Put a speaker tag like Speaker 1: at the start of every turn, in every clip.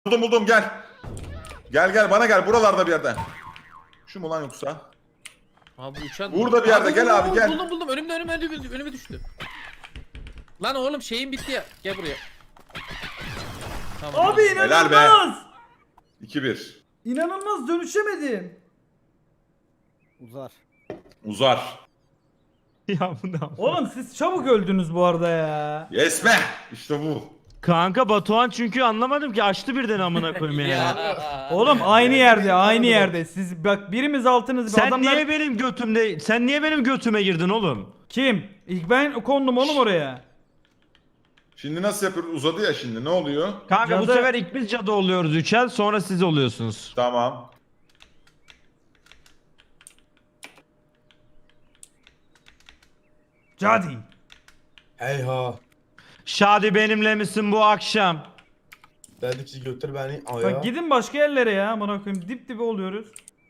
Speaker 1: Buldum gel. Gel bana gel buralarda bir yerde. Şu mu lan yoksa?
Speaker 2: Abi uçan
Speaker 1: Burada bir yerde gel abi gel.
Speaker 2: Buldum önüme düştü. Lan oğlum şeyin bitti ya. Gel buraya. Tamam.
Speaker 3: Abi
Speaker 1: Helal be.
Speaker 3: inanılmaz.
Speaker 1: 2-1.
Speaker 3: İnanılmaz dönüşemedim.
Speaker 1: Uzar.
Speaker 4: Ya bu ne?
Speaker 3: Oğlum siz çabuk öldünüz bu arada ya.
Speaker 1: Yes be. İşte bu.
Speaker 4: Kanka Batuhan çünkü anlamadım ki açtı birden amına koyayım ya.
Speaker 3: Oğlum aynı yerde. Siz bak birimiz altınız.
Speaker 4: Sen
Speaker 3: adamlar...
Speaker 4: niye benim götüme girdin oğlum?
Speaker 3: Kim? İlk ben kondum oğlum oraya.
Speaker 1: Şimdi nasıl yapıyoruz? Uzadı ya şimdi. Ne oluyor?
Speaker 4: Kanka bu
Speaker 3: Cadı-
Speaker 4: sefer ilk biz cadı oluyoruz üçer sonra siz oluyorsunuz.
Speaker 1: Tamam.
Speaker 3: Cadi.
Speaker 5: Heyha.
Speaker 4: Şadi benimle misin bu akşam?
Speaker 5: Dedikçe götür beni aya.
Speaker 3: Bak gidin başka yerlere ya. Amına koyayım dip dibe oluyoruz.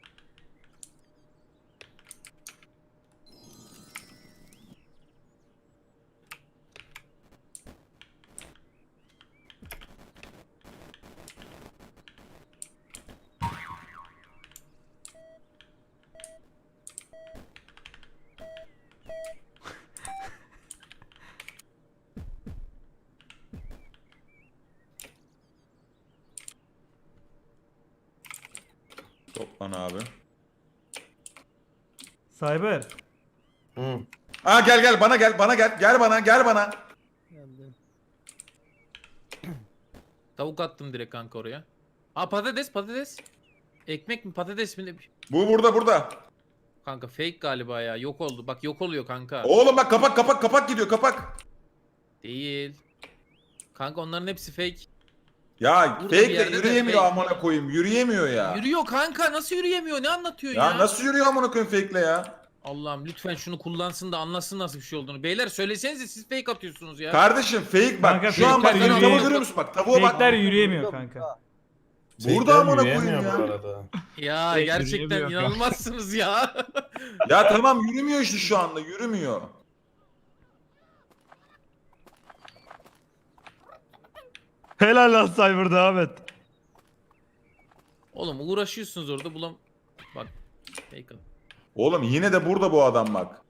Speaker 1: Toplan abi.
Speaker 3: Cyber.
Speaker 5: Hı.
Speaker 1: Aa gel bana gel bana.
Speaker 2: Tavuk attım direkt kanka oraya. Aa patates. Ekmek mi patates mi?
Speaker 1: Bu burada.
Speaker 2: Kanka fake galiba ya. Yok oldu. Bak yok oluyor kanka.
Speaker 1: Oğlum bak kapak gidiyor kapak.
Speaker 2: Değil. Kanka onların hepsi fake.
Speaker 1: Ya
Speaker 2: Burada bir
Speaker 1: fake de
Speaker 2: yerde de
Speaker 1: yürüyemiyor
Speaker 2: fake.
Speaker 1: amına koyayım. Yürüyemiyor ya.
Speaker 2: Yürüyor kanka. Nasıl yürüyemiyor? Ne anlatıyor ya?
Speaker 1: Ya nasıl yürüyor amına koyayım fake'le ya?
Speaker 2: Allah'ım lütfen şunu kullansın da anlasın nasıl bir şey olduğunu. Beyler söylesenize siz fake atıyorsunuz ya.
Speaker 1: Kardeşim fake bak.
Speaker 3: Kanka
Speaker 1: Şu an bak
Speaker 3: fake'ler
Speaker 1: tavuğu
Speaker 3: yürüyemiyor.
Speaker 1: görüyor musun bak tavuğa bak.
Speaker 3: Fake'ler yürüyemiyor kanka.
Speaker 1: Burada amına
Speaker 5: Yürüyemiyor
Speaker 1: koyayım ya.
Speaker 5: bu arada.
Speaker 2: Ya
Speaker 4: Fake
Speaker 2: gerçekten
Speaker 4: yürüyemiyor kanka.
Speaker 2: inanılmazsınız ya.
Speaker 1: Ya tamam yürümüyor işte şu anda yürümüyor.
Speaker 4: Helal lan Cyber devam et.
Speaker 2: Oğlum uğraşıyorsunuz orada Bak. Fake at.
Speaker 1: Oğlum yine de burada bu adam bak.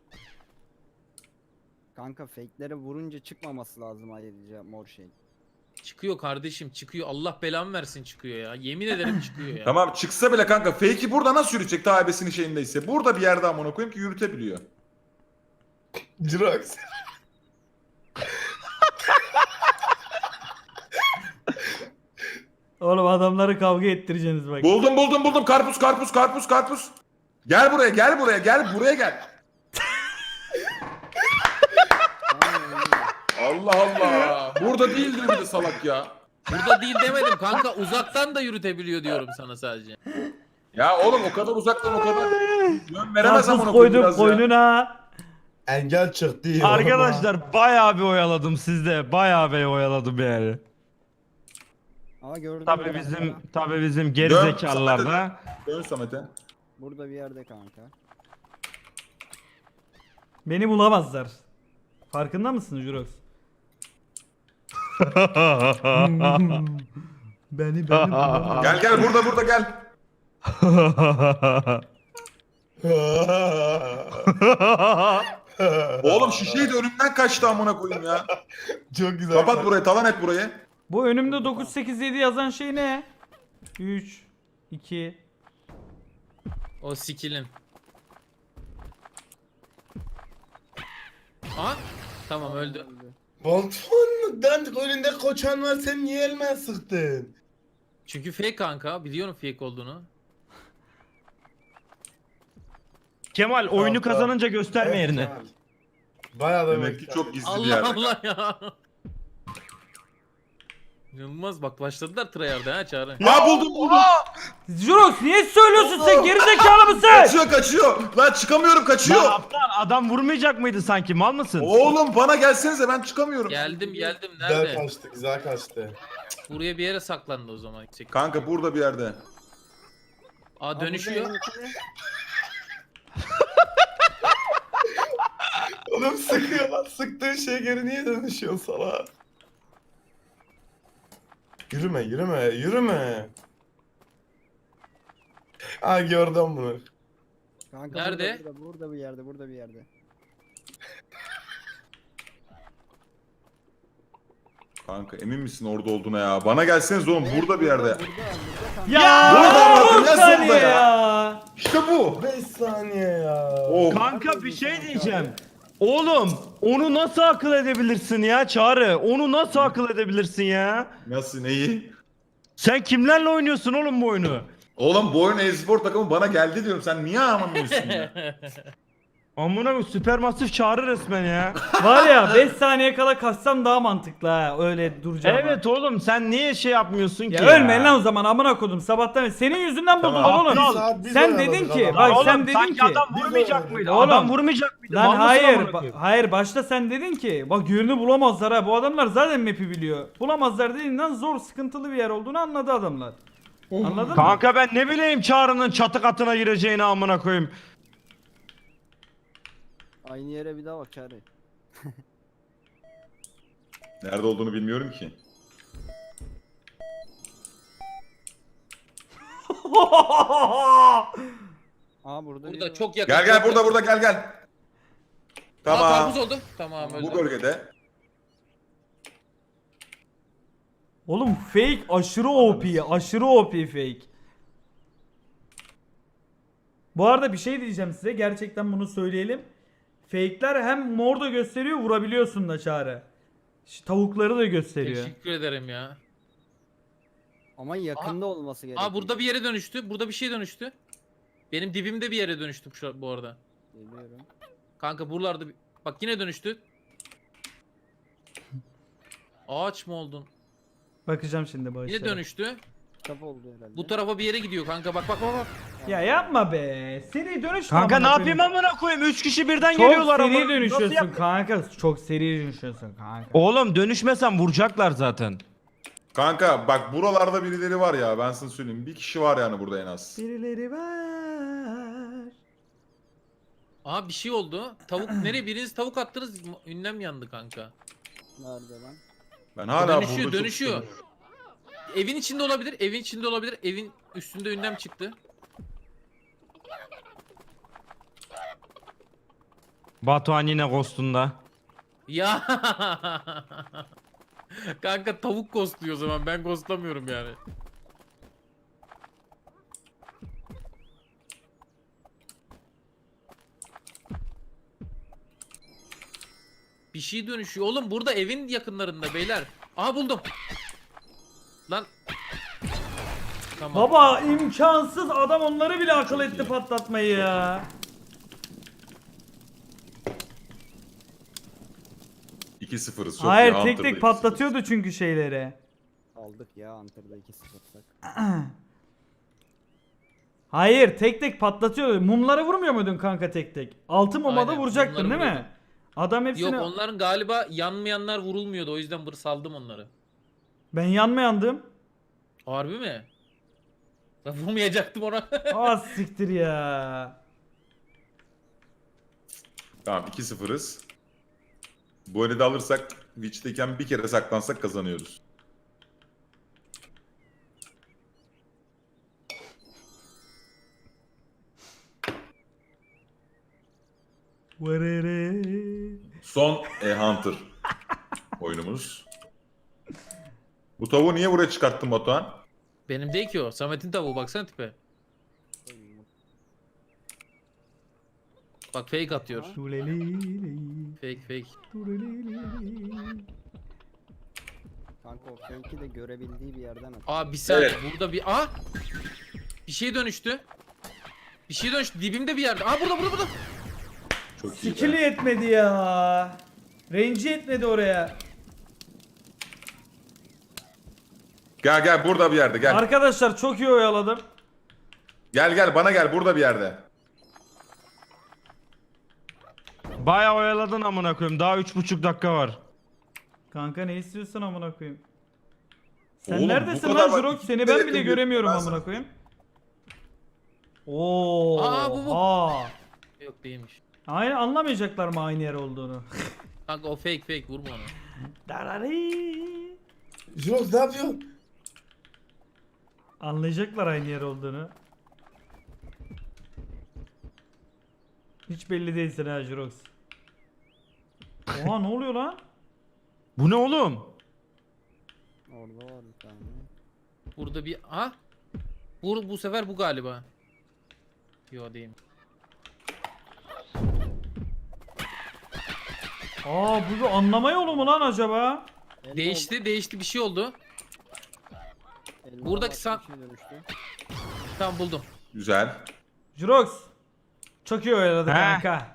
Speaker 6: Kanka fake'lere vurunca çıkmaması lazım ayrıca mor şey.
Speaker 2: Çıkıyor kardeşim çıkıyor. Allah belamı versin çıkıyor ya. Yemin ederim çıkıyor ya.
Speaker 1: Tamam çıksa bile kanka fake'i burada nasıl yürütecek ta ebesinin şeyindeyse. Burada bir yerde amına koyayım ki yürütebiliyor.
Speaker 5: Jirox.
Speaker 3: Oğlum adamları kavga ettireceksiniz bak.
Speaker 1: Buldum karpuz. Gel buraya gel. Allah Allah. Burada değildir bir de salak ya.
Speaker 2: Burada değil demedim kanka. Uzaktan da yürütebiliyor diyorum sana sadece.
Speaker 1: Ya oğlum o kadar uzaktan o kadar yön veremez
Speaker 3: Karpuz
Speaker 1: amına koyayım
Speaker 3: koydum
Speaker 1: biraz ya.
Speaker 3: koynuna.
Speaker 5: Engel çıktı.
Speaker 4: Arkadaşlar bayağı bir oyaladım sizde. Bayağı bir oyaladım yani.
Speaker 6: Ama gördüm.
Speaker 4: Tabii bizim
Speaker 1: Dön,
Speaker 4: gerizekalılar
Speaker 1: Samet'e
Speaker 4: da.
Speaker 1: Dön Samet'e.
Speaker 6: Burada bir yerde kanka.
Speaker 3: Beni bulamazlar. Farkında mısın Jurox? Beni bulamazlar.
Speaker 1: Gel burada gel. Oğlum şişeyi de önümden kaçtı amına koyayım ya.
Speaker 5: Çok güzel.
Speaker 1: Kapat burayı talan et burayı.
Speaker 3: Bu önümde 987 yazan şey ne? 3 2
Speaker 2: O skill'in. Aha. Tamam öldü.
Speaker 5: Batuhan önünde koçan var sen niye elime sıktın?
Speaker 2: Çünkü fake kanka. Biliyorum fake olduğunu.
Speaker 4: Kemal oyunu
Speaker 5: Tamam.
Speaker 4: kazanınca gösterme yerini.
Speaker 5: Bayağı da
Speaker 1: Demek ki çok gizli bir
Speaker 2: Allah
Speaker 1: yerde.
Speaker 2: Allah ya. İnanılmaz bak başladılar tryhard'a ha Çağrı.
Speaker 1: Aa buldum.
Speaker 3: Jurox niye söylüyorsun sen gerizekalı mısın?
Speaker 1: Kaçıyor. Lan çıkamıyorum kaçıyor.
Speaker 4: Lan aptal adam vurmayacak mıydı sanki mal mısın?
Speaker 1: Oğlum bana gelsenize ben çıkamıyorum.
Speaker 2: Geldim
Speaker 5: Güzel
Speaker 2: nerede?
Speaker 5: kaçtı güzel kaçtı.
Speaker 2: Buraya bir yere saklandı o zaman.
Speaker 1: Kanka burada bir yerde.
Speaker 2: Aa dönüşüyor.
Speaker 5: Oğlum sıkıyor lan sıktığın şey geri niye dönüşüyor sana? Yürüme yürüme yürüme. Ha gördüm bunu.
Speaker 6: Kanka
Speaker 2: Nerede?
Speaker 6: burada bir yerde, burada bir yerde.
Speaker 1: Kanka emin misin orada olduğuna ya? Bana gelseniz oğlum burada bir yerde.
Speaker 6: Burada kanka.
Speaker 3: Ya
Speaker 1: Burada bırakın,
Speaker 3: 10
Speaker 1: nasıl
Speaker 3: saniye
Speaker 1: burada ya?
Speaker 3: ya.
Speaker 1: İşte bu.
Speaker 5: 5 saniye ya.
Speaker 1: Oh.
Speaker 4: Kanka bir şey diyeceğim. Oğlum onu nasıl akıl edebilirsin ya Çağrı? Onu nasıl akıl edebilirsin ya?
Speaker 1: Nasıl neyi?
Speaker 4: Sen kimlerle oynuyorsun oğlum bu oyunu?
Speaker 1: Oğlum bu oyun e-spor takımı bana geldi diyorum. Sen niye anlamıyorsun ya?
Speaker 4: Amına koyayım süpermasif Çağrı resmen ya.
Speaker 3: Var ya 5 saniye kala kaçsam daha mantıklı ha. Öyle duracağım.
Speaker 4: Evet oğlum sen niye şey yapmıyorsun
Speaker 3: Ya
Speaker 4: ki
Speaker 3: ölmeyin lan o zaman amına kodum sabahtan beri. Senin yüzünden
Speaker 1: Tamam.
Speaker 3: buldular oğlum.
Speaker 5: Bir saat biz
Speaker 3: Sen
Speaker 5: oynadık
Speaker 3: dedin ki
Speaker 5: adam.
Speaker 3: bak
Speaker 4: Oğlum,
Speaker 3: sen dedin
Speaker 4: sanki
Speaker 3: ki
Speaker 4: adam
Speaker 5: Biz
Speaker 4: vurmayacak
Speaker 5: oynadık.
Speaker 4: mıydı?
Speaker 3: Oğlum,
Speaker 4: Adam vurmayacak mıydı?
Speaker 3: lan
Speaker 4: Mal mısın
Speaker 3: hayır
Speaker 4: amına koyayım?
Speaker 3: hayır başta sen dedin ki bak yönünü bulamazlar ha bu adamlar zaten map'i biliyor. Bulamazlar dediğinden zor sıkıntılı bir yer olduğunu anladı adamlar. Anladın mı?
Speaker 4: Kanka ben ne bileyim Çağrı'nın çatı katına gireceğini amına koyayım.
Speaker 6: Aynı yere bir daha bak Çağrı.
Speaker 1: Nerede olduğunu bilmiyorum ki.
Speaker 6: Aa burada biri
Speaker 2: Burada
Speaker 6: var.
Speaker 2: çok yakın.
Speaker 1: Gel gel
Speaker 2: çok
Speaker 1: burada
Speaker 2: yakın.
Speaker 1: burada gel gel.
Speaker 2: Aa,
Speaker 1: Tamam.
Speaker 2: karpuz oldu. Tamam
Speaker 1: Bu
Speaker 2: öldü.
Speaker 1: bölgede.
Speaker 3: Oğlum fake aşırı OP aşırı OP fake. Bu arada bir şey diyeceğim size gerçekten bunu söyleyelim. Fake'ler hem mor da gösteriyor vurabiliyorsun da Çağrı. Tavukları da gösteriyor.
Speaker 2: Teşekkür ederim ya.
Speaker 6: Ama yakında olması gerekiyor.
Speaker 2: Aa burada bir yere dönüştü. Burada bir şey dönüştü. Benim dibimde bir yere dönüştüm şu bu arada.
Speaker 6: Geliyorum.
Speaker 2: Kanka buralarda bak yine dönüştü. Ağaç mı oldun?
Speaker 3: Bakacağım şimdi bu
Speaker 2: Yine
Speaker 3: işlere.
Speaker 2: dönüştü.
Speaker 6: Kitap oldu herhalde.
Speaker 2: Bu tarafa bir yere gidiyor kanka. Bak bak bak bak.
Speaker 3: Ya yapma be. Seri dönüş.
Speaker 4: Kanka ne yapayım amına koyayım? 3 kişi birden geliyorlar
Speaker 3: Çok
Speaker 4: amına
Speaker 3: seri
Speaker 4: koyayım. Nasıl
Speaker 3: dönüşüyorsun
Speaker 4: yap-
Speaker 3: kanka. Çok seri dönüşüyorsun kanka.
Speaker 4: Oğlum dönüşmesen vuracaklar zaten.
Speaker 1: Kanka bak buralarda birileri var ya ben sana söyleyeyim. Bir kişi var yani burada en az.
Speaker 3: Birileri var.
Speaker 2: Aha bir şey oldu. Tavuk nereye? Biriniz tavuk attınız. Ünlem yandı kanka.
Speaker 6: Nerede lan?
Speaker 1: Ben hala
Speaker 2: Dönüşüyor,
Speaker 1: burada çok
Speaker 2: dönüşüyor.
Speaker 1: sıkılıyorum.
Speaker 2: Evin içinde olabilir. Evin içinde olabilir. Evin üstünde ünlem çıktı.
Speaker 4: Batuhan yine ghostunda.
Speaker 2: Ya. Kanka tavuk ghostluyor o zaman. Ben ghostlamıyorum yani. Bir şey dönüşüyor. Oğlum burada evin yakınlarında beyler. Aha buldum. Lan. Tamam.
Speaker 3: Baba imkansız adam onları bile akıl etti patlatmayı ya.
Speaker 1: 2-0'ız çok
Speaker 3: Hayır
Speaker 1: iyi,
Speaker 3: tek
Speaker 1: Hunter'da
Speaker 3: tek
Speaker 1: 2-0'ız.
Speaker 3: patlatıyordu çünkü şeyleri.
Speaker 6: Aldık ya Hunter'da 2-0'sak.
Speaker 3: Hayır tek tek patlatıyordu. Mumlara vurmuyor muydun kanka tek tek? 6 muma da
Speaker 2: Aynen,
Speaker 3: vuracaktın
Speaker 2: mumları
Speaker 3: değil mi?
Speaker 2: vuruyordum.
Speaker 3: Adam hepsini...
Speaker 2: Yok onların galiba yanmayanlar vurulmuyordu. O yüzden saldım onları.
Speaker 3: Ben yanmayandım.
Speaker 2: Harbi mi? Ben vurmayacaktım ona.
Speaker 3: Az siktir ya.
Speaker 1: Tamam 2-0'ız. Bu eli de alırsak Witch'teyken bir kere saklansak kazanıyoruz.
Speaker 3: Varere.
Speaker 1: Son Hunter oyunumuz. Bu tavuğu niye buraya çıkarttın Batuhan?
Speaker 2: Benim değil ki o. Samet'in tavuğu baksana tipe. Bak fake atıyor. Fake fake.
Speaker 6: Kanka o fake'i de görebildiği bir yerden at.
Speaker 2: Aa bir saniye
Speaker 1: Evet.
Speaker 2: burada bir bir şey dönüştü. Bir şey dönüştü dibimde bir yerde. Aa burada.
Speaker 1: Çok iyi.
Speaker 3: Skill'i yetmedi ya. Range'i yetmedi oraya.
Speaker 1: Gel gel burada bir yerde gel.
Speaker 3: Arkadaşlar çok iyi oyaladım.
Speaker 1: Gel gel bana gel burada bir yerde.
Speaker 4: Bayağı oyaladın amına koyayım. Daha 3,5 dakika var.
Speaker 3: Kanka ne istiyorsun amına koyayım? Sen
Speaker 1: Oğlum, bu
Speaker 3: neredesin
Speaker 1: kadar
Speaker 3: lan
Speaker 1: bak,
Speaker 3: Jurok? Seni
Speaker 1: ikide
Speaker 3: ben
Speaker 1: yakın
Speaker 3: bile
Speaker 1: bir-
Speaker 3: göremiyorum
Speaker 1: ben
Speaker 3: amına
Speaker 1: sana-
Speaker 3: koyayım. Oo.
Speaker 2: Aa, bu. Yok değilmiş.
Speaker 3: Aynen anlamayacaklar mı aynı yer olduğunu?
Speaker 2: Kanka o fake vurma onu.
Speaker 3: Darari.
Speaker 5: Jules ne yapıyorsun?
Speaker 3: Anlayacaklar aynı yer olduğunu. Hiç belli değilsin ha Jirox. Oha ne oluyor lan?
Speaker 4: Bu ne oğlum?
Speaker 6: Orada var bir tane.
Speaker 2: Burada bir... Ha? Bu sefer bu galiba. Yo değil.
Speaker 3: Aa bu bir anlama yolu mu lan acaba?
Speaker 6: Elma
Speaker 2: Değişti bir şey oldu.
Speaker 6: oldu, elma
Speaker 2: Buradaki
Speaker 6: başka
Speaker 2: san-
Speaker 6: bir şeye dönüştü.
Speaker 2: Tamam buldum.
Speaker 1: Güzel.
Speaker 3: Jirox. Çok iyi oynadı
Speaker 4: He.
Speaker 3: kanka.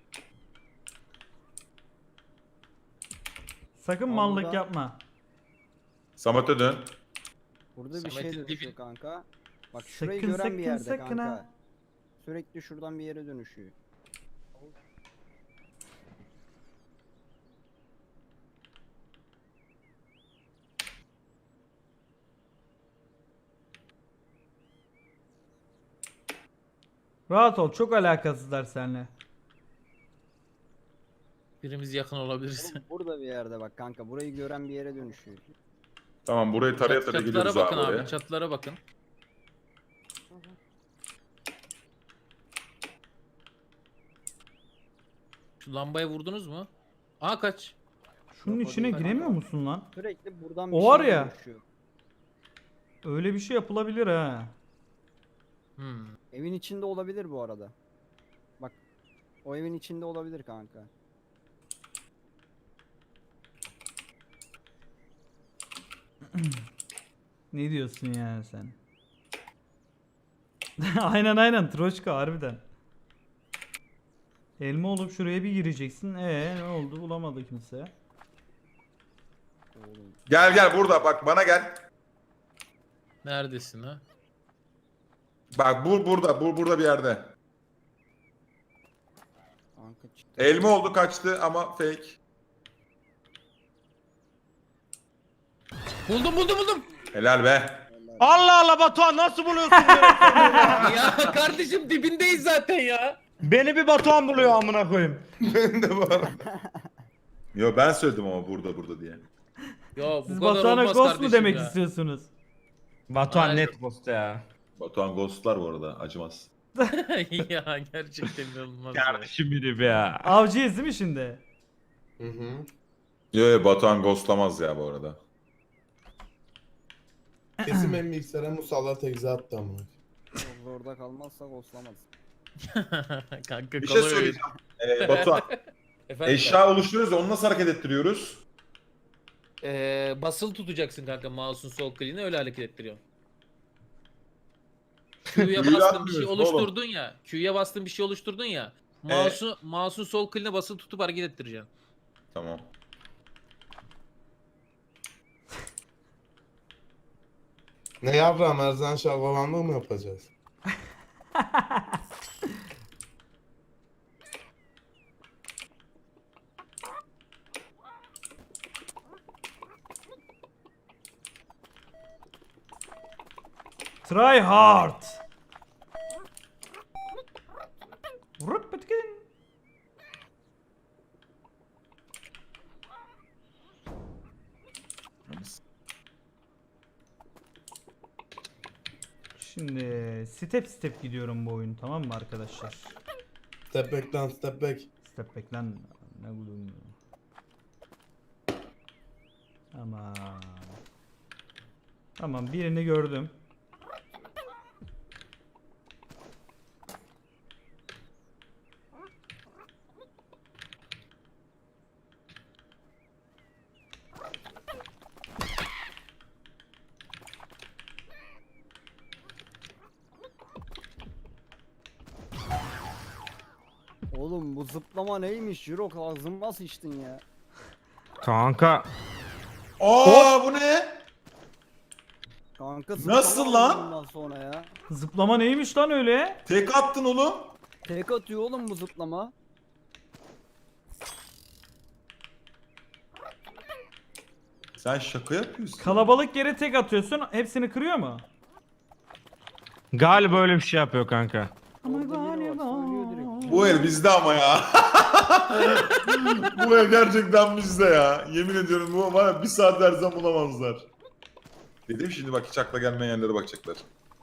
Speaker 3: Sakın
Speaker 6: Aa,
Speaker 3: mallık
Speaker 6: burada-
Speaker 3: yapma.
Speaker 1: Samet'e dön.
Speaker 6: Burada bir
Speaker 2: Samet'in
Speaker 6: şey dönüşüyor
Speaker 2: dibi-
Speaker 6: kanka. Bak şurayı
Speaker 3: Sakın,
Speaker 6: gören bir
Speaker 3: sakın,
Speaker 6: yerde
Speaker 3: sakın
Speaker 6: kanka.
Speaker 3: ha.
Speaker 6: Sürekli şuradan bir yere dönüşüyor.
Speaker 3: Rahat ol, çok alakasızlar seninle.
Speaker 2: Birimiz yakın olabiliriz.
Speaker 6: Oğlum burada bir yerde bak kanka. Burayı gören bir yere dönüşüyor.
Speaker 1: Tamam burayı taraya taraya
Speaker 2: Çatılara
Speaker 1: gidiyoruz
Speaker 2: bakın
Speaker 1: abi
Speaker 2: abi.
Speaker 1: oraya.
Speaker 2: Çatılara bakın. Şu lambaya vurdunuz mu? Aa kaç.
Speaker 3: Şunun
Speaker 6: Yok, o
Speaker 3: içine
Speaker 6: değil.
Speaker 3: giremiyor musun lan?
Speaker 6: Sürekli buradan bir
Speaker 3: O var
Speaker 6: şeye
Speaker 3: ya.
Speaker 6: dönüşüyor.
Speaker 3: Öyle bir şey yapılabilir ha.
Speaker 2: Hmm.
Speaker 6: Evin içinde olabilir bu arada. Bak. O evin içinde olabilir kanka.
Speaker 3: Ne diyorsun yani sen? aynen Troşka harbiden. Elma olup şuraya bir gireceksin. Ne oldu? Bulamadı kimse.
Speaker 6: Oğlum.
Speaker 1: Gel burada bak bana gel.
Speaker 2: Neredesin ha?
Speaker 1: Bak burada bir yerde.
Speaker 6: Kanka çıktı.
Speaker 1: Elma oldu kaçtı ama fake.
Speaker 2: Buldum.
Speaker 1: Helal be.
Speaker 4: Allah Allah Batuhan nasıl buluyorsun beni?
Speaker 2: Ya kardeşim dibindeyiz zaten ya.
Speaker 4: Beni bir Batuhan buluyor amına koyayım.
Speaker 1: Ben de var. Yo ben söyledim ama burada diye.
Speaker 2: Ya bu
Speaker 3: Siz
Speaker 2: kadar
Speaker 3: Batuhan'a
Speaker 2: olmaz
Speaker 3: ghost mu
Speaker 2: kardeşim
Speaker 3: demek
Speaker 2: ya.
Speaker 3: istiyorsunuz?
Speaker 4: Batuhan
Speaker 2: Aynen.
Speaker 4: net posta ya.
Speaker 1: Batuhan ghostlar bu arada acımaz.
Speaker 2: ya gerçekten inanılmaz ya.
Speaker 4: Kardeşim biri be ya.
Speaker 3: Avcıyız değil mi şimdi?
Speaker 5: Hı hı.
Speaker 1: Yo Batuhan ghostlamaz ya bu arada.
Speaker 5: Kesin benim bilgisayara musallat egze attı ama.
Speaker 6: Çok zorda kalmazsak oslamaz.
Speaker 2: Kanka
Speaker 1: Bir şey
Speaker 2: kolay oyun.
Speaker 1: söyleyeceğim. Batuhan
Speaker 2: Efendim
Speaker 1: eşya oluşturuyoruz da onu nasıl hareket ettiriyoruz?
Speaker 2: basılı tutacaksın kanka mouse'un sol kliğini öyle hareket ettiriyorsun. Q'ya
Speaker 1: Q'yu
Speaker 2: bastın bir şey
Speaker 1: atmıyoruz oğlum.
Speaker 2: oluşturdun ya. Q'ya bastın bir şey oluşturdun ya. Mouse'un sol kliğine basılı tutup hareket ettireceksin.
Speaker 1: Tamam.
Speaker 5: Ne yavrum Erzan şalgalanlığı mı yapacağız?
Speaker 3: Try hard. Vurup bitkin. Şimdi step gidiyorum bu oyun, tamam mı arkadaşlar?
Speaker 5: Step back lan step back.
Speaker 3: Step back lan ne gülüm. Ama tamam, birini gördüm.
Speaker 6: Oğlum bu zıplama neymiş? Jirok ağzıma sıçtın ya.
Speaker 4: Kanka.
Speaker 1: Aa bu ne?
Speaker 6: Kanka
Speaker 1: Nasıl
Speaker 6: zıplama
Speaker 1: lan?
Speaker 6: var bundan sonra ya.
Speaker 3: Zıplama neymiş lan öyle?
Speaker 1: Tek attın oğlum.
Speaker 6: Tek atıyor oğlum bu zıplama.
Speaker 1: Sen şaka yapıyorsun.
Speaker 3: Kalabalık yere tek atıyorsun, hepsini kırıyor mu?
Speaker 4: Galiba öyle bir şey yapıyor kanka.
Speaker 3: Ama
Speaker 6: Orada biri var, söylüyor direkt.
Speaker 1: Bu el bizde ama ya. Bu el gerçekten bizde ya. Yemin ediyorum bu var ya bir saat dersen bulamazlar. Dedim şimdi bak hiç akla gelmeyen yerlere bakacaklar.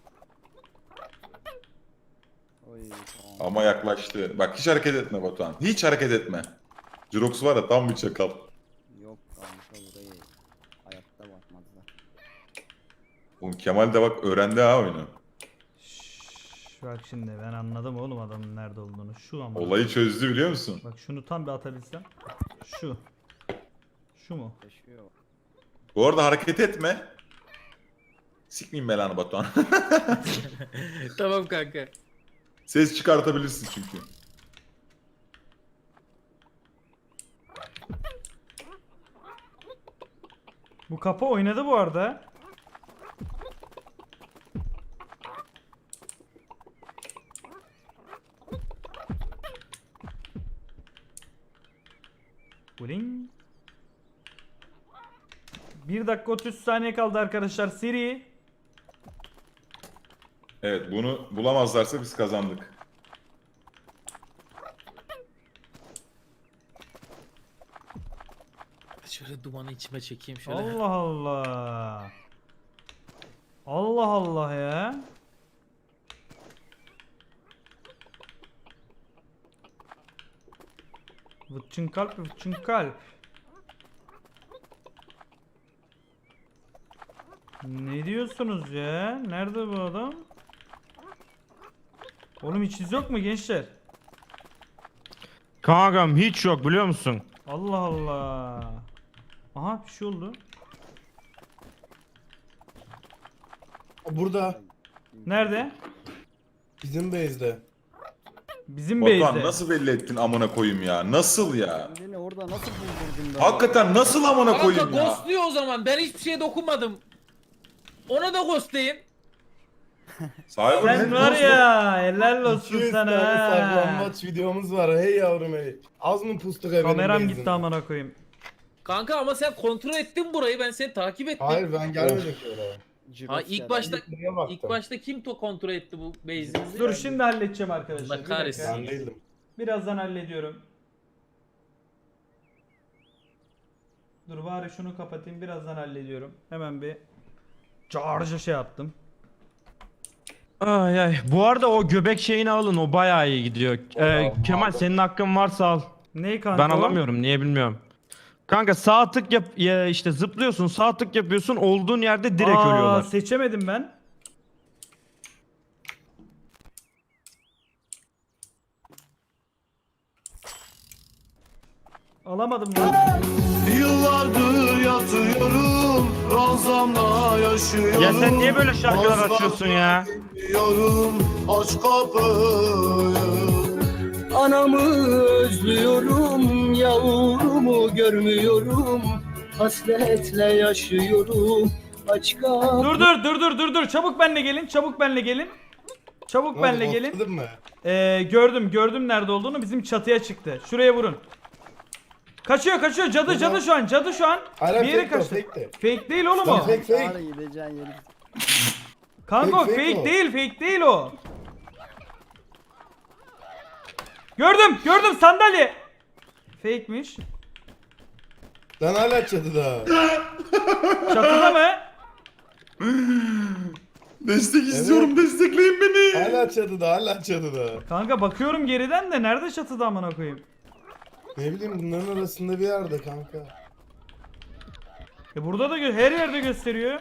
Speaker 6: Oy, tamam.
Speaker 1: Ama yaklaştı. Bak hiç hareket etme Batuhan. Hiç hareket etme. Jirox var ya tam bir çakal.
Speaker 6: Yok kanka burayı hayatta bakmazlar.
Speaker 1: Oğlum Kemal de bak öğrendi ha oyunu.
Speaker 3: Bak şimdi ben anladım oğlum adamın nerede olduğunu. Şu ama.
Speaker 1: Olayı çözdü biliyor musun?
Speaker 3: Bak şunu tam bir atabilsem. Şu. Şu mu?
Speaker 6: Yaşıyor.
Speaker 1: Bu arada hareket etme. Sikmeyeyim belanı Batuhan.
Speaker 2: Tamam kanka.
Speaker 1: Ses çıkartabilirsin çünkü.
Speaker 3: Bu kapı oynadı bu arada. Bling. 1 dakika 30 saniye kaldı arkadaşlar seri.
Speaker 1: Evet bunu bulamazlarsa biz kazandık.
Speaker 2: Şöyle dumanı içime çekeyim şöyle.
Speaker 3: Allah Allah. Allah Allah ya. Vıçın kalp, vıçın kalp. Ne diyorsunuz ya? Nerede bu adam? Oğlum hiç iz yok mu gençler?
Speaker 4: Kankam hiç yok biliyor musun?
Speaker 3: Allah Allah. Aha bir şey oldu.
Speaker 5: Burada.
Speaker 3: Nerede?
Speaker 5: Bizim base'de.
Speaker 3: Bizim
Speaker 1: Batuhan
Speaker 3: base'de.
Speaker 1: nasıl belli ettin amına koyayım ya? Nasıl ya?
Speaker 6: Kendini orada nasıl buldurdun ben?
Speaker 1: Hakikaten nasıl amına
Speaker 2: Kanka
Speaker 1: koyayım ya?
Speaker 2: ghostluyor o zaman. Ben hiçbir şeye dokunmadım. Ona da ghostlayın.
Speaker 1: Sahibi
Speaker 3: Sen var ya helal olsun
Speaker 5: 200
Speaker 3: sana.
Speaker 5: tane
Speaker 3: ha.
Speaker 5: saklanmaç videomuz var. Hey yavrum hey. Az mı pustuk benim
Speaker 3: Kameram
Speaker 5: base'imde?
Speaker 3: gitti amına koyayım.
Speaker 2: Kanka ama sen kontrol ettin burayı. Ben seni takip ettim.
Speaker 5: Hayır ben gelmedim ki oraya.
Speaker 6: Jirox
Speaker 2: Ha, ilk
Speaker 6: geldi.
Speaker 2: başta
Speaker 5: Buraya baktım.
Speaker 2: ilk başta kim kontrol etti bu base'imizi?
Speaker 3: Dur şimdi halledeceğim arkadaşlar.
Speaker 2: Allah
Speaker 3: Bir dakika.
Speaker 2: kahretsin.
Speaker 5: Ben değildim.
Speaker 3: Birazdan hallediyorum. Dur bari şunu kapatayım birazdan hallediyorum. Hemen bir charge'a şey yaptım.
Speaker 4: Ay ay. Bu arada o göbek şeyini alın o bayağı iyi gidiyor. Kemal senin hakkın varsa al.
Speaker 3: Ney kanka?
Speaker 4: Ben alamıyorum niye bilmiyorum. Kanka sağ tık yap ya işte zıplıyorsun sağ tık yapıyorsun olduğun yerde direkt ölüyorlar.
Speaker 3: Seçemedim ben. Alamadım ben.
Speaker 7: Yıllardır yatıyorum, ranzamla yaşıyorum.
Speaker 4: Ya sen niye böyle şarkılar açıyorsun ya?
Speaker 7: Yorum, aç kapıyı.
Speaker 8: Anamı özlüyorum, yavrumu görmüyorum. Hasretle yaşıyorum. Aç kapı.
Speaker 3: Dur. Çabuk benle gelin. Çabuk benle gelin. Çabuk
Speaker 5: Ne
Speaker 3: benle
Speaker 5: oldu,
Speaker 3: gelin.
Speaker 5: bastırdın mı?
Speaker 3: Gördüm nerede olduğunu. Bizim çatıya çıktı. Şuraya vurun. Kaçıyor. Cadı şu an.
Speaker 5: Hayır,
Speaker 3: Bir yere
Speaker 5: fake o,
Speaker 3: kaçtı.
Speaker 5: fake de.
Speaker 3: Fake değil oğlum
Speaker 5: Lan
Speaker 3: o.
Speaker 5: fake.
Speaker 6: Çağrı gideceğin yeri.
Speaker 3: Kanka o
Speaker 5: Fake o.
Speaker 3: fake değil o. Gördüm sandalye. Fake'miş.
Speaker 5: Lan hala çatıda.
Speaker 3: Çatıda mı?
Speaker 1: Destek istiyorum destekleyin beni.
Speaker 5: Hala çatıda.
Speaker 3: Kanka bakıyorum geriden de nerede çatıda amına koyayım?
Speaker 5: Ne bileyim bunların arasında bir yerde kanka.
Speaker 3: Burada da her yerde gösteriyor.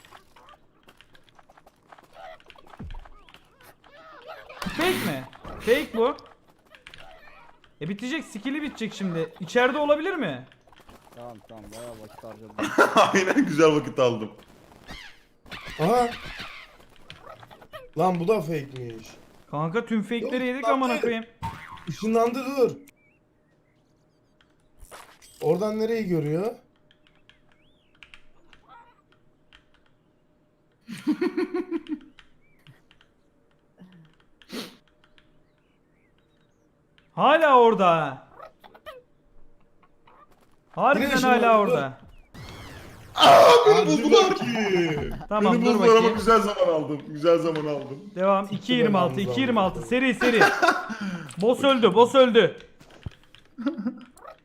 Speaker 3: Fake mi? Fake bu. Bitecek, skill'i bitecek şimdi. İçeride olabilir mi?
Speaker 6: Tamam bayağı vakit harcadım.
Speaker 1: Aynen güzel vakit aldım.
Speaker 5: Aha. Lan bu da fake'miş.
Speaker 3: Kanka tüm fake'leri yedik
Speaker 5: Yok,
Speaker 3: amına
Speaker 5: lan,
Speaker 3: koyayım.
Speaker 5: Işınlandı dur. Oradan nereyi görüyor?
Speaker 3: Hala orada. Harbiden
Speaker 5: Yine
Speaker 3: hala
Speaker 5: ışınlandı,
Speaker 3: orada.
Speaker 1: Beni buldular ki.
Speaker 3: Tamam
Speaker 1: Beni
Speaker 3: dur
Speaker 1: buldular ama
Speaker 3: bakayım.
Speaker 1: güzel zaman aldım.
Speaker 3: Devam.
Speaker 5: Sıktı
Speaker 3: 2.26
Speaker 5: belanızı
Speaker 3: 2.26 seri. Boss öldü.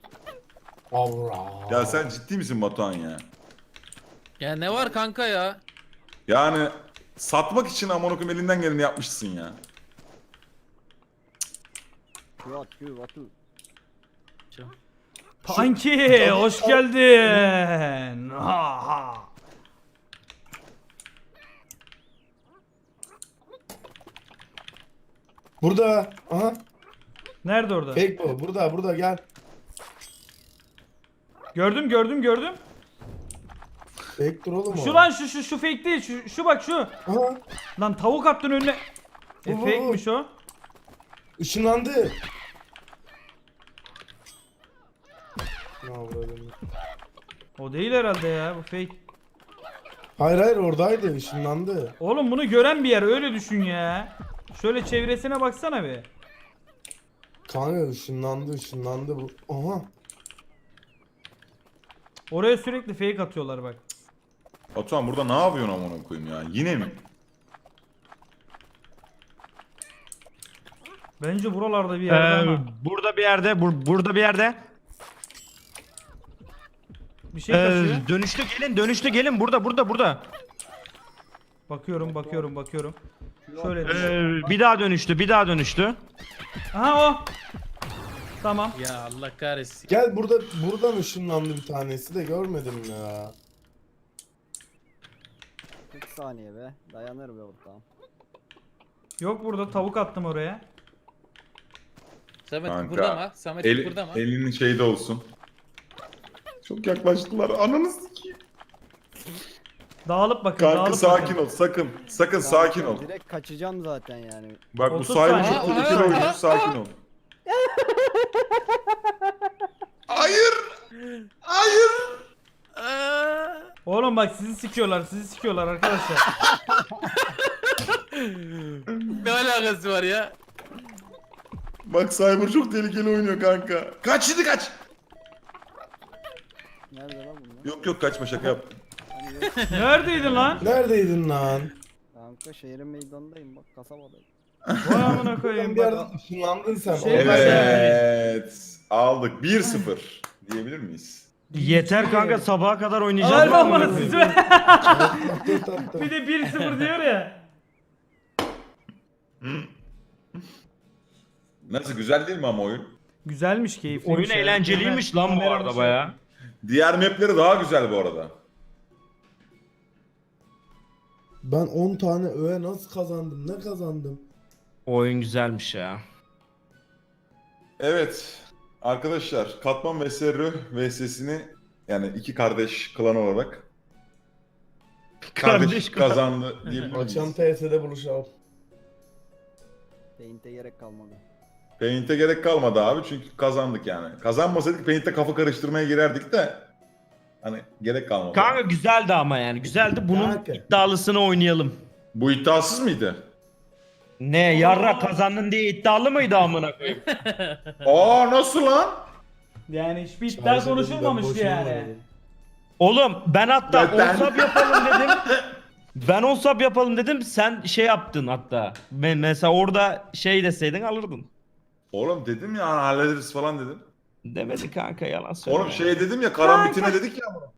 Speaker 5: Avra.
Speaker 1: Ya sen ciddi misin Batuhan ya?
Speaker 2: Ya ne var kanka ya?
Speaker 1: Yani satmak için amına koyayım elinden geleni yapmışsın ya.
Speaker 6: Q at Q atı.
Speaker 3: Panki hoş geldin. Ha ha.
Speaker 5: Burada. Aha.
Speaker 3: Nerede orada?
Speaker 5: Fake bu. Burada gel.
Speaker 3: Gördüm gördüm gördüm.
Speaker 5: Fake dur oğlum o.
Speaker 3: Şu lan şu fake değil. Şu bak şu.
Speaker 5: Aha.
Speaker 3: Lan tavuk attın önüne.
Speaker 5: Bu.
Speaker 3: Fake'miş o.
Speaker 5: Işınlandı. Ne yapalım?
Speaker 3: O değil herhalde ya bu fake.
Speaker 5: Hayır oradaydı. Işınlandı.
Speaker 3: Oğlum bunu gören bir yer öyle düşün ya. Şöyle çevresine baksana bir.
Speaker 5: Kanka ışınlandı bu. Aha.
Speaker 3: Oraya sürekli fake atıyorlar bak.
Speaker 1: Batuhan burada ne yapıyorsun amına koyayım ya? Yine mi?
Speaker 3: Bence buralarda bir yerde ama.
Speaker 4: Burada bir yerde, burada bir yerde.
Speaker 3: Bir şey kaçıyor.
Speaker 4: Dönüştü gelin burada.
Speaker 3: Bakıyorum. Şöyle.
Speaker 4: Bir daha dönüştü.
Speaker 3: Aha o. Tamam.
Speaker 2: Ya Allah kahretsin.
Speaker 5: Gel buradan ışınlandı bir tanesi de görmedim ya.
Speaker 6: 40 saniye be. Dayanır be ortağım.
Speaker 3: Yok burada tavuk attım oraya.
Speaker 2: Samet
Speaker 1: Kanka,
Speaker 2: kıpırdama. Samet kıpırdama.
Speaker 1: Elinin şeyde olsun. Çok yaklaştılar. Ananı sikeyim.
Speaker 3: Dağılıp bakın.
Speaker 1: Kanka
Speaker 3: dağılıp
Speaker 1: sakin
Speaker 3: bakın.
Speaker 1: ol. Sakın sakin ol.
Speaker 6: Direkt kaçacağım zaten yani.
Speaker 1: Bak bu
Speaker 3: 30
Speaker 1: sahibi
Speaker 3: saniye.
Speaker 1: çok tehlikeli oyuncu. Sakin ol. Hayır.
Speaker 3: Oğlum bak sizi sikiyorlar arkadaşlar.
Speaker 2: Ne alakası var ya?
Speaker 1: Bak Cyber çok tehlikeli oynuyor kanka. Kaç şimdi kaç.
Speaker 6: Nerede lan bunlar?
Speaker 1: Yok kaçma şaka yaptım.
Speaker 6: Hani yok.
Speaker 3: Neredeydin lan?
Speaker 5: Neredeydin lan?
Speaker 6: Kanka şehrin meydanındayım bak kasabadayım.
Speaker 3: Vay amına
Speaker 5: Sen
Speaker 3: koyayım.
Speaker 5: bir yerden ışınlandın sen.
Speaker 3: Şey
Speaker 5: Oradan-
Speaker 3: var ya.
Speaker 1: Evet. Aldık 1-0 diyebilir miyiz?
Speaker 4: Yeter kanka sabaha kadar
Speaker 3: Ver
Speaker 4: oynayacağız.
Speaker 3: lan bana siz ver.
Speaker 5: Tatlı.
Speaker 3: Bir de 1-0 diyor ya.
Speaker 1: Nasıl güzel değil mi ama oyun?
Speaker 3: Güzelmiş keyifliymiş.
Speaker 4: Oyun
Speaker 3: ya.
Speaker 4: eğlenceliymiş lan bu
Speaker 3: Kamera
Speaker 4: arada
Speaker 3: dışı.
Speaker 4: baya.
Speaker 1: Diğer mapleri daha güzel bu arada.
Speaker 5: Ben 10 tane öğe nasıl kazandım? Ne kazandım?
Speaker 4: Oyun güzelmiş ya.
Speaker 1: Evet. Arkadaşlar Katman ve Serru VS'sini yani iki kardeş klan olarak kardeş
Speaker 4: klan.
Speaker 1: kazandı diyebilir
Speaker 5: Akşam
Speaker 1: miyiz?
Speaker 5: TS'de buluşalım.
Speaker 6: Paint'e gerek kalmadı.
Speaker 1: Paint'e gerek kalmadı abi çünkü kazandık yani. Kazanmasaydık Paint'te kafa karıştırmaya girerdik de hani gerek kalmadı.
Speaker 4: Kanka güzeldi ama yani güzeldi. Bunun
Speaker 5: Kanka.
Speaker 4: iddialısını oynayalım.
Speaker 1: Bu iddiasız mıydı?
Speaker 4: Ne yarra kazandın diye iddialı mıydı amına koyayım?
Speaker 1: Aa nasıl lan?
Speaker 3: Yani hiçbir iddia konuşulmamıştı yani.
Speaker 4: Oğlum ben hatta
Speaker 1: Zaten-
Speaker 4: onsap yapalım dedim. Ben onsap yapalım dedim. Sen şey yaptın hatta. Mesela orada şey deseydin alırdın.
Speaker 1: Oğlum dedim ya hallederiz falan dedim.
Speaker 4: Demedi kanka yalan söylüyor.
Speaker 1: Oğlum şey dedim ya karambitine dedik ya.